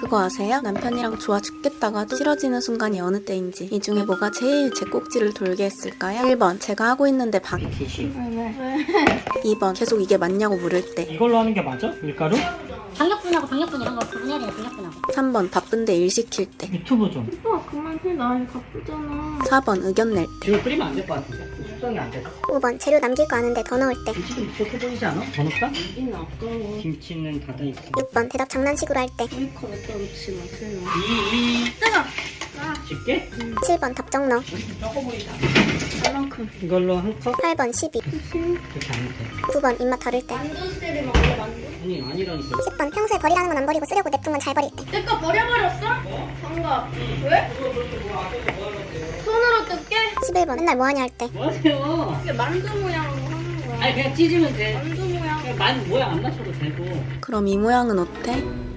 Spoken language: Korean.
그거 아세요? 남편이랑 좋아 죽겠다가도 싫어지는 순간이 어느 때인지. 이 중에 뭐가 제일 제 꼭지를 돌게 했을까요? 1번 제가 하고 있는데 방. 2번 계속 이게 맞냐고 물을 때. 이걸로 하는 게 맞아? 밀가루? 방역분하고 방역분 이런 거 구분해야 되네. 방역분하고. 3번 바쁜데 일 시킬 때. 유튜브 좀. 오빠 그만 해. 나 이거 바쁘잖아. 4번 의견 낼 때. 이거 끓이면 안 될 것 같은데. 숙성이 안 돼서. 5번 재료 남길 거 아는데 더 넣을 때. 김치 좀 부족해 보이지 않아? 더 넣을까? 이는 아까워. 김치는 닫아있어. 6번 대답 장난식으로 할 때. 메이크업 갖다 놓지 마세요. 집게? 7번 답정 넣어. 적어 보이지 않아? 얼만큼? 이걸로 한 컵? 8번 12. 그렇게 안 돼. 9번 입맛 다를 때. 만두스를 먹을래 만두? 아니 아니라니까. 10번 평소에 버리라는 건 안 버리고 쓰려고 냅둔 건 잘 버릴 때. 내 거 버려버렸어? 장갑. 왜? 손으로 뜯게? 11번 맨날 뭐하냐 할 때. 뭐 하세요? 이게 만두 모양으로 하는 거야. 아니 그냥 찢으면 돼. 만두 모양. 그냥 모양 안 맞춰도 되고. 그럼 이 모양은 어때?